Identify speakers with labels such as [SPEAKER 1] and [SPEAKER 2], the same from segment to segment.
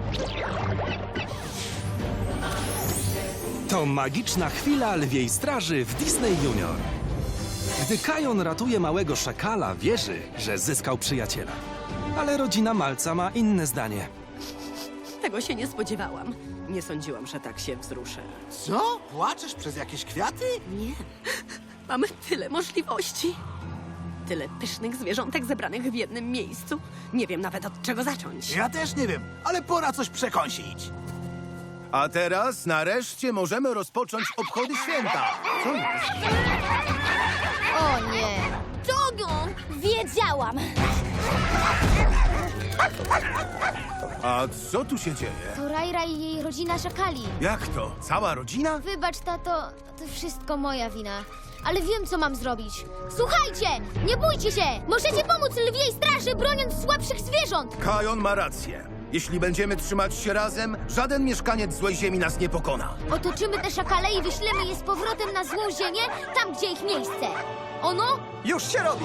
[SPEAKER 1] To magiczna chwila lwiej straży w Disney Junior. Gdy Kajon ratuje małego szakala, wierzy, że zyskał przyjaciela. Ale rodzina Malca ma inne zdanie.
[SPEAKER 2] Tego się nie spodziewałam. Nie sądziłam, że tak się wzruszę.
[SPEAKER 3] Co? Płaczesz przez jakieś kwiaty?
[SPEAKER 2] Nie. Mamy tyle możliwości. Tyle pysznych zwierzątek zebranych w jednym miejscu. Nie wiem nawet od czego zacząć.
[SPEAKER 3] Ja też nie wiem, ale pora coś przekąsić.
[SPEAKER 4] A teraz nareszcie możemy rozpocząć obchody święta. Co jest?
[SPEAKER 5] O nie! Dogo! Wiedziałam!
[SPEAKER 4] A co tu się dzieje?
[SPEAKER 5] To Rajra i jej rodzina szakali.
[SPEAKER 4] Jak to? Cała rodzina?
[SPEAKER 5] Wybacz, tato, to wszystko moja wina. Ale wiem, co mam zrobić. Słuchajcie! Nie bójcie się! Możecie pomóc lwiej straży, broniąc słabszych zwierząt!
[SPEAKER 4] Kajon ma rację. Jeśli będziemy trzymać się razem, żaden mieszkaniec złej ziemi nas nie pokona.
[SPEAKER 5] Otoczymy te szakale i wyślemy je z powrotem na złą ziemię, tam, gdzie ich miejsce. Ono?
[SPEAKER 6] Już się robi!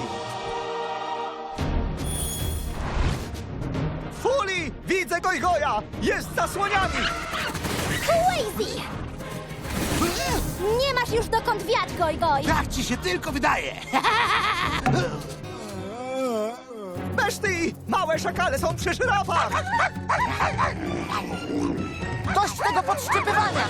[SPEAKER 6] Fuli! Widzę Gojgoja! Jest za słoniami!
[SPEAKER 5] Crazy! Nie masz już dokąd wiać, Gojgoj!
[SPEAKER 3] Tak ci się tylko wydaje.
[SPEAKER 6] Beszty! Małe szakale są przy żyrafach!
[SPEAKER 5] Dość tego podszczypywania!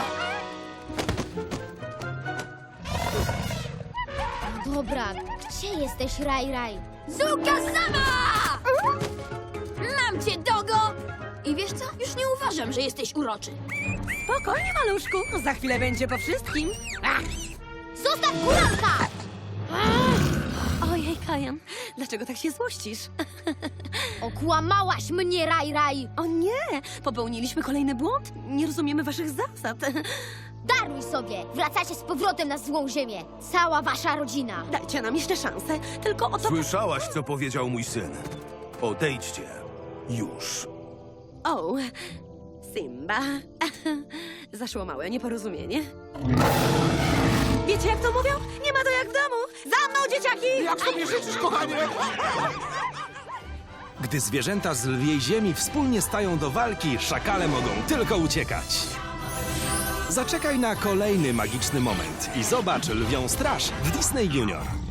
[SPEAKER 5] Dobra, gdzie jesteś, Raj? Zuka sama!
[SPEAKER 7] Mam cię, Dogo! I wiesz co? Już nie uważam, że jesteś uroczy.
[SPEAKER 2] Spokojnie, maluszku. Za chwilę będzie po wszystkim.
[SPEAKER 5] Zostaw kuranka!
[SPEAKER 2] Ojej, Kajan. Dlaczego tak się złościsz?
[SPEAKER 5] Okłamałaś mnie, Raj!
[SPEAKER 2] O nie! Popełniliśmy kolejny błąd? Nie rozumiemy waszych zasad.
[SPEAKER 5] Daruj sobie! Wracacie z powrotem na złą ziemię. Cała wasza rodzina.
[SPEAKER 2] Dajcie nam jeszcze szansę. Tylko o to...
[SPEAKER 4] Słyszałaś, co powiedział mój syn. Odejdźcie. Już.
[SPEAKER 2] O, Simba. Zaszło małe nieporozumienie. Wiecie, jak to mówią? Nie ma to jak w domu. Za mną, dzieciaki!
[SPEAKER 3] Jak sobie życzysz, kochanie?
[SPEAKER 1] Gdy zwierzęta z lwiej ziemi wspólnie stają do walki, szakale mogą tylko uciekać. Zaczekaj na kolejny magiczny moment i zobacz Lwią Straż w Disney Junior.